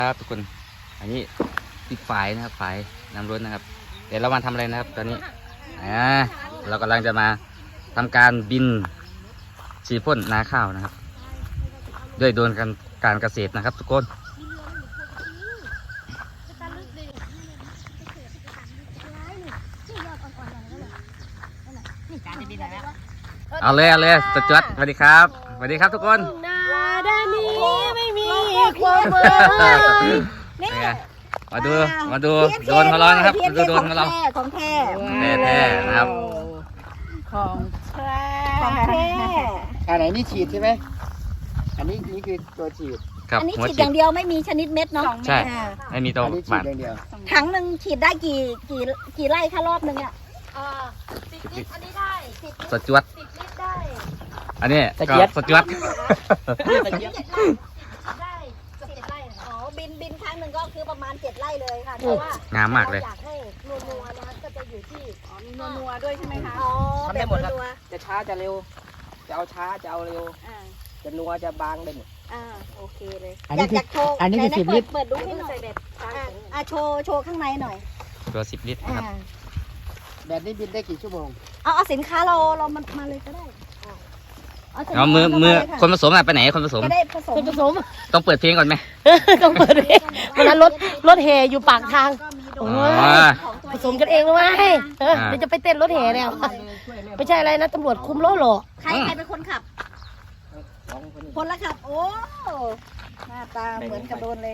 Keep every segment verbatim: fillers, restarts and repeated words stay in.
ครับทุกคนอันนี้ติดฝายนะครับฝายน้ำร้อนนะครับเดี๋ยวเรามาทำอะไรนะครับตอนนี้อ่าเรากำลังจะมาทำการบินฉีดพ่นนาข้าวนะครับด้วยโดรนการการเกษตรนะครับทุกคนเอาเลยเอาเลยสจวดสวัสดีครับสวัสดีครับทุกคนนาด้านนี้ไม่มีความเบื่อนี่มาดูมาดูโดรนของเรานะครับมาดูโดรนของเราของแท้แท้ๆนะครับของแท้ของแท้อันไหนนี่ฉีดใช่ไหมอันนี้นี่คือตัวฉีดอันนี้ฉีดอย่างเดียวไม่มีชนิดเม็ดเนาะใช่ไม่มีตัวฉีดอย่างเดียวถังหนึ่งฉีดได้กี่กี่กี่ไร่คะรอบหนึ่งอ่ะสิบลิตรอันนี้ได้สจวดสิบลิตรได้อันนี้ก็สจวดได้เกือบเจ็ดไร่อ๋อบินบินครั้งหนึ่งก็คือประมาณเจ็ดไร่เลยค่ะเพราะว่างามมากเลยอยากให้นัวๆนะคะก็จะอยู่ที่อ๋อมีนัวๆด้วยใช่ไหมคะอ๋อทำได้หมดครับจะช้าจะเร็วจะเอาช้าจะเอาเร็วจะนัวจะบางได้หมดอ่าโอเคเลยอันนี้คืออันนี้คือสิบลิตรเปิดดูให้หน่อยอ่าโชว์โชว์ข้างในหน่อยตัวสิบลิตรนะครับแบบนี้บินได้กี่ชั่วโมงเอาเอาสินค้าเราเรามามาเลยก็ได้เอามือมือคนผสมอะไปไหนคนผสมจะได้ผสมผสมต้องเปิดเพลงก่อนไหมต้องเปิดเพลงวันนั้นรถรถแห่อยู่ปากทางโอ้ยผสมกันเองเลยไหมเดี๋ยวจะไปเต้นรถแห่แล้วไม่ใช่อะไรนะตำรวจคุมรถหรอใครใครเป็นคนขับคนละขับโอ้หน้าตาเหมือนกับโดนเลย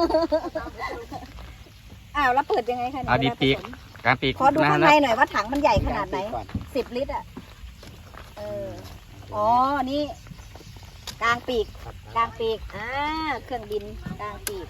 อ้าวแล้วเปิดยังไงคะเอาดีปีกการปีกขอดูข้างในหน่อยว่าถังมันใหญ่ขนาดไหนสิบลิตรอ่ะเอออ๋อนี่กลางปีกกลางปีกอ่าเครื่องบินกลางปีก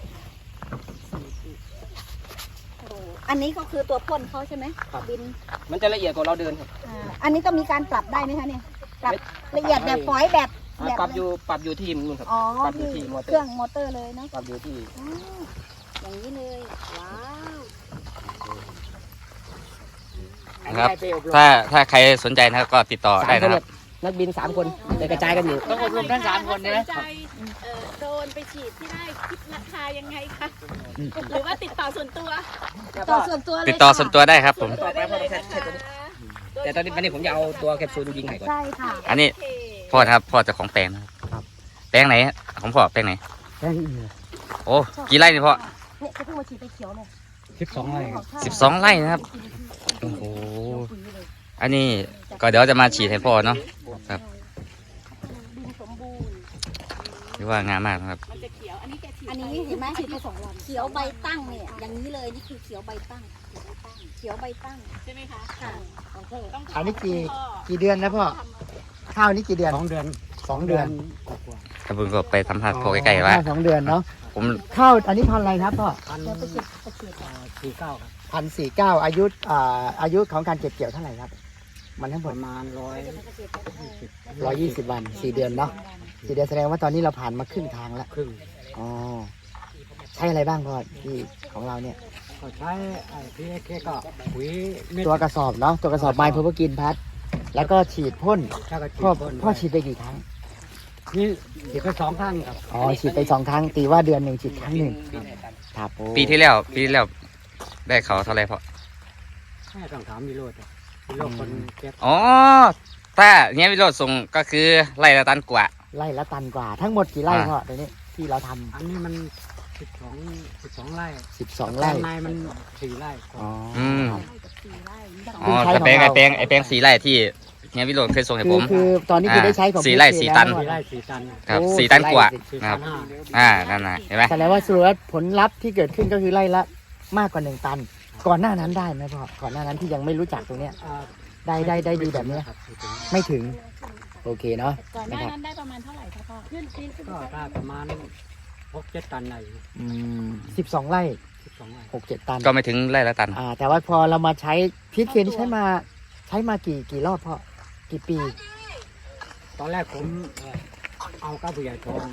อันนี้ก็คือตัวพ่นเขาใช่ไหมบินมันจะละเอียดกว่าเราเดินครับอ่าอันนี้ต้องมีการปรับได้ไหมคะเนี่ยปรับละเอียดแบบฝอยแบบปรับอยู่ปรับอยู่ที่มันครับปรับอยู่ที่เครื่องมอเตอร์เลยเนาะปรับอยู่ที่อย่างนี้เลยว้าวครับถ้าถ้าใครสนใจนะครับก็ติดต่อได้นะครับนักบินสามคนจะกระจายกันอยู่ต้องอบรมทั้งสามคนนะโดนไปฉีดที่ได้คิดราคายังไงคะหรือว่าติดต่อส่วนตัวต่อส่วนตัวติดต่อส่วนตัวได้ครับผมแต่ตอนนี้วันนี้ผมจะเอาตัวแคปซูลยิงไข่ก่อนใช่ค่ะอันนี้พ่อครับพ่อจะของแปลงนะครับแปลงไหนของพ่อแปลงไหนแปลงโอ้กี่ไร่นี่พ่อเนี่ยเขาเพิ่งมาฉีดไปเขียวเนี่ยสิบสองไร่สิบสองไร่นะครับโอ้โหอันนี้ก็เดี๋ยวจะมาฉีดให้พ่อเนาะครับหรือว่างามมากนะครับอันนี้เห็นไหมฉีดไปสองวันเขียวใบตั้งเนี่ยอย่างนี้เลยนี่คือเขียวใบตั้งเขียวใบตั้งใช่ไหมคะค่ะอันนี้กี่กี่เดือนนะพ่อข้าวนี้กี่เดือนสองเดือนสองเดือนกระเบื้องก็ไปสัมผัสพ่อใกล้ๆว่าสองเดือนเนาะผมข้าวอันนี้พันอะไรครับพ่อพันสี่เก้าพันสี่เก้าอายุอ่าอายุของการเก็บเกี่ยวเท่าไหร่ครับมันทั้งหมดประมาณร้อยร้อยยี่สิบวันสี่เดือนเนาะสี่เดือนแสดงว่าตอนนี้เราผ่านมาครึ่งทางแล้วครึ่งอ๋อใช้อะไรบ้างพ่อที่ของเราเนี่ยก็ใช้ไอ้พีเอเคก็ปุ๋ยตัวกระสอบเนาะตัวกระสอบไม้เพื่อกินพัดแล้วก็ฉีดพ่นพ่อพ่อฉีดไปกี่ครั้งนี่ฉีดไปสองครั้งครับอ๋อฉีดไปสองครั้งตีว่าเดือนหนึ่งฉีดครั้งหนึ่งครับปีที่แล้วปีที่แล้วได้เขาเท่าไรพ่อแค่สองสามกิโลจ้ะกิโลคนเก็บอ๋อถ้าเนี้ยวิโรจน์ส่งก็คือไร่ละตันกว่าไร่ละตันกว่าทั้งหมดกี่ไร่พ่อตอนนี้ที่เราทำอันนี้มันสิบสองสิบสองไร่สิบสองไร่ในมันสี่ไร่อ๋ออ๋อแต่แปลงไอแปลงไอแปลงสี่ไร่ที่เนี้ยวิโรจน์เคยส่งให้ผมคือตอนนี้คือได้ใช้ของสี่ไร่สี่ตันสี่ไร่สี่ตันครับสี่ตันกว่าครับอ่านั่นน่ะเห็นไหมแสดงว่าสรุปว่าผลลัพธ์ที่เกิดขึ้นก็คือไร่ละมากกว่าหนึ่งตันก่อนหน้านั้นได้ไหมพ่อก่อนหน้านั้นที่ยังไม่รู้จักตรงเนี้ยได้ได้ได้ดีแบบนี้ไม่ถึงโอเคเนาะก่อนหน้านั้นได้ประมาณเท่าไหร่คะพ่อขึ้นขึ้นก็ได้ประมาณหกเจ็ดตันไหนอืมสิบสองไร่สิบสองไร่หกเจ็ดตันก็ไม่ถึงไร่ละตันอ่าแต่ว่าพอเรามาใช้พีทเคนใช้มาใช้มากี่กี่รอบพ่อกี่ปีตอนแรกผมเอาก้าวผู้ใหญ่ทอง